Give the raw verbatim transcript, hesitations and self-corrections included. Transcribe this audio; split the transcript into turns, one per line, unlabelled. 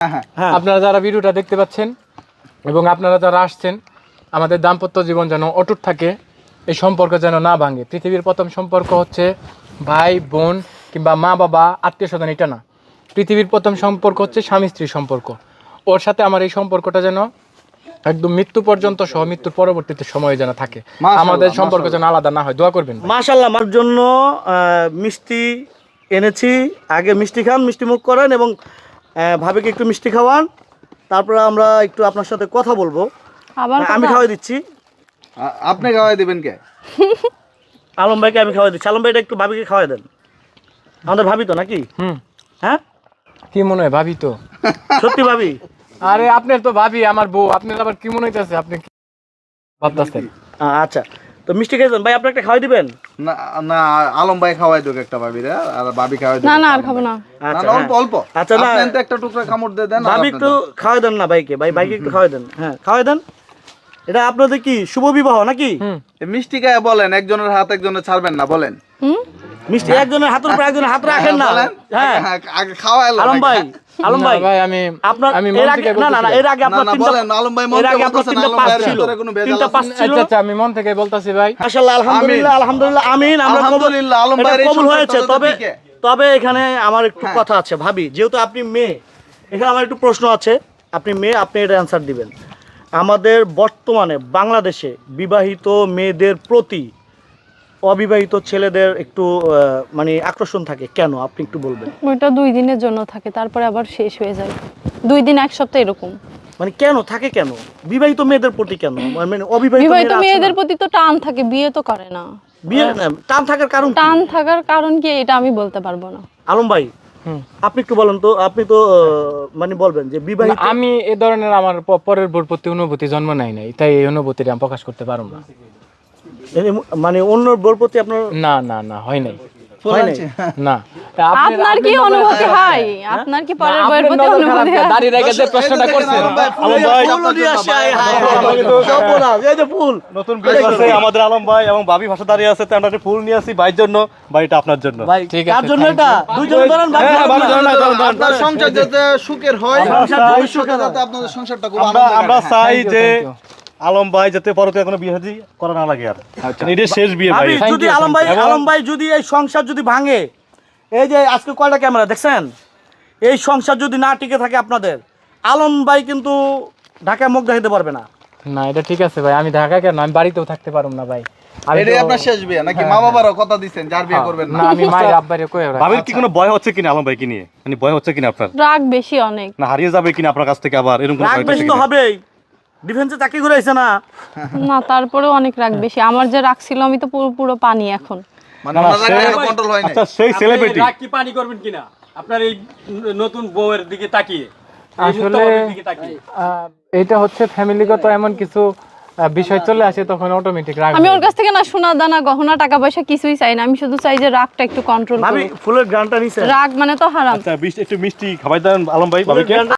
হ্যাঁ, আপনারা যারা ভিডিওটা দেখতে পাচ্ছেন এবং আপনারা যারা আসছেন, আমাদের দাম্পত্য জীবন যেন অটুট থাকে, এই সম্পর্ক যেন না ভাঙে। পৃথিবীর প্রথম সম্পর্ক হচ্ছে ভাই বোন কিংবা মা বাবা আত্মীয় স্বজন, এটা না। পৃথিবীর প্রথম সম্পর্ক হচ্ছে স্বামী স্ত্রীর সম্পর্ক। ওর সাথে আমার এই সম্পর্কটা যেন একদম মৃত্যু পর্যন্ত সহ মৃত্যুর পরবর্তীতে সময় যেন থাকে, আমাদের সম্পর্ক যেন আলাদা না হয়। দোয়া করবেন।
মাশাআল্লাহ, আমার জন্য মিষ্টি এনেছি। আগে মিষ্টি খান, মিষ্টি মুখ করেন এবং ভাবিকে একটু মিষ্টি খাওয়ান, তারপরে আমরা একটু আপনার সাথে কথা বলবো। আমি খাওয়াই দিচ্ছি।
আপনি খাওয়াই দিবেন কে?
আলম ভাইকে আমি খাওয়াই দিচ্ছি। আলম ভাইটা একটু ভাবিকে খাওয়াই দেন। আমাদের ভাবি তো নাকি?
হুম।
হ্যাঁ,
কি মনে হয় ভাবি তো?
সত্যি ভাবি?
আরে আপনার তো ভাবি আমার বউ, আপনার আবার কি মনে হইতেছে? আপনি কি ভাবতেছেন?
আচ্ছা, তো মিষ্টি খাইছেন ভাই, আপনি একটা খাওয়াই দিবেন?
না না, আলম ভাই খাওয়াই দুক একটা ভাবি রে, আর ভাবি খাওয়াই দুক।
না না, আর খাবো না।
আচ্ছা,
অল্প অল্প।
আচ্ছা, না
আপনি একটা টুকরা কামড় দিয়ে দেন।
ভাবি একটু খাওয়াই দেন না ভাইকে। ভাই ভাইকে একটু খাওয়াই দেন। হ্যাঁ, খাওয়াই দেন। এটা আপনাদের কি শুভ বিবাহ নাকি?
মিষ্টি গায়ে বলেন, একজনের হাত একজনের ছাড়বেন না বলেন।
মিষ্টি একজনের হাতের উপর একজনের হাত রাখেন না। হ্যাঁ,
আগে খাওয়াইলো
আলম ভাই, আলম ভাই
ভাই আমি
আপনার
আমি
এর আগে না না এর আগে আপনার তিনটা
বলেন। আলম ভাই মন
এর আগে
থেকে
আপনার
বলতেছেন,
তিনটা
আলম
পাস
ভাইয়ের
ছিল,
ভিতরে কোনো ভেজাল
তিনটা
আছে?
পাস ছিল।
আচ্ছা আচ্ছা, আমি মন থেকে বলতাছি ভাই।
মাশাআল্লাহ, আলহামদুলিল্লাহ, আলহামদুলিল্লাহ, আমিন। আমরা
আলহামদুলিল্লাহ, আলম
এটা
ভাইয়ের এই
কবুল হয়েছে।
সংসারটা
তবে
দিকে।
তবে এখানে আমার একটু কথা আছে ভাবি, যেহেতু আপনি মেয়ে, এখানে আমার একটু প্রশ্ন আছে। আপনি মেয়ে, আপনি এটা অ্যানসার দিবেন। আমাদের বর্তমানে বাংলাদেশে বিবাহিত মেয়েদের প্রতি অবিবাহিত ছেলেদের একটু মানে আকর্ষণ থাকে কেন, আপনি একটু বলবেন?
ওইটা দুই দিনের জন্য থাকে, তারপরে আবার শেষ হয়ে যায়। দুই দিন এক সপ্তাহ এরকম।
মানে কেন থাকে, কেন বিবাহিত মেয়েদের প্রতি কেন? মানে অবিবাহিত
বিবাহিত মেয়েদের প্রতি তো টান থাকে, বিয়ে তো করে না।
বিয়ে টান থাকার কারণ কি?
টান থাকার কারণ কি এটা আমি বলতে পারবো না।
আলম ভাই, আপনি একটু বলেন তো। আপনি তো মানে বলবেন যে বিবাহিত।
আমি এই ধরনের আমার প- পরের বোর প্রতি অনুভূতি জন্ম নেয় নাই, তাই এই অনুভূতিটা আমি প্রকাশ করতে পারবো না।
মানে অন্য বোর প্রতি আপনার
না না না, হয় নাই।
হয় নাই?
না।
আপনার কি অনুভূতি হয়? আপনার কি পরের বউয়ের প্রতি অনুভূতি হয়?
দাঁড়িয়ে রেখে যে প্রশ্নটা করছেন,
আলম ভাই ফুল নিয়ে আসে। আয় হায় হায়, সর্বনাশ, এই যে ফুল।
নতুন বিয়ে করছে আমাদের আলম ভাই এবং ভাবি ভাষা দাঁড়িয়ে আছে, তো আমরা একটা ফুল নিয়ে আসি ভাইয়ের জন্য, বাড়িটা আপনার জন্য।
ভাই
ঠিক
কার
আছে,
জন্য
thank
এটা?
you.
দুইজন ধরেন ভাই।
হ্যাঁ, ভালো ধরেন, ধরেন, ধরেন।
আপনার সংসার যাতে সুখের হয়,
সংসার
ভবিষ্যতে যাতে আপনাদের সংসারটা খুব
আমরা
আনন্দের
আমরা
হয়।
চাই
Thank you,
যে
thank you.
আলম ভাই যাতে পরতে কোনো বিয়ে শাদী করা না লাগে আর। এটা শেষ বিয়ে ভাই।
ভাবি,
Thank
যদি
you,
আলম
thank
ভাই
you.
আলম ভাই যদি এই সংসার যদি ভাঙে, এই যে আজকে কয়টা ক্যামেরা দেখছেন, এই সংসার যদি না টিকে থাকে আপনাদের, আলম ভাই কিন্তু ঢাকায় মুখ দেখাতে পারবে না।
না এটা ঠিক আছে ভাই, আমি ঢাকায় কেন, আমি বাড়িতেও থাকতে পারবো না ভাই। আমি
এটাই
তো-
আপনার শেষ বিয়ে নাকি? মা বাবারও কথা দিচ্ছেন যার বিয়ে করবেন
না,
না?
আমি মায়ের আব্বারে কই ওরা।
ভাবির কি কোনো ভয় হচ্ছে কিনা আলম ভাই কি নিয়ে? মানে ভয় হচ্ছে কিনা আপনার?
রাগ বেশি অনেক।
না হারিয়ে যাবে কিনা আপনার কাছ থেকে আবার এরকম কোনো
রাগ
ভয়
বেশি
আছে
তো
কিনা?
হবেই, ডিফেন্সে চাকরি করে আইছে না।
না, তারপরেও অনেক রাগ বেশি। আমার যে রাগ ছিল, আমি তো পুরো পুরো পানি এখন।
মানে ওনার কন্ট্রোল হয় না।
আচ্ছা, সেই সেলিব্রিটি
রাগ কি পানি করবেন কিনা আপনার এই নতুন বউয়ের দিকে তাকিয়ে, এই
আসলে
মুক্তাবাবুর দিকে তাকিয়ে?
আহ, এটা হচ্ছে ফ্যামিলিগত এমন কিছু আহ, বিষয় চলে আসে, তখন অটোমেটিক রাগ
আমি
হয়ে
ওর কাছ থেকে না সোনা দানা গহনা টাকা পয়সা কিছুই চাই না। আমি শুধু চাই যে রাগটা একটু কন্ট্রোল
ভাবি
করুক।
ফুলের গ্রানটা নিছে।
রাগ মানে তো হারাম।
আচ্ছা, বিশ- একটু মিষ্টি খাবার দেন আলম ভাই ভাবিকে।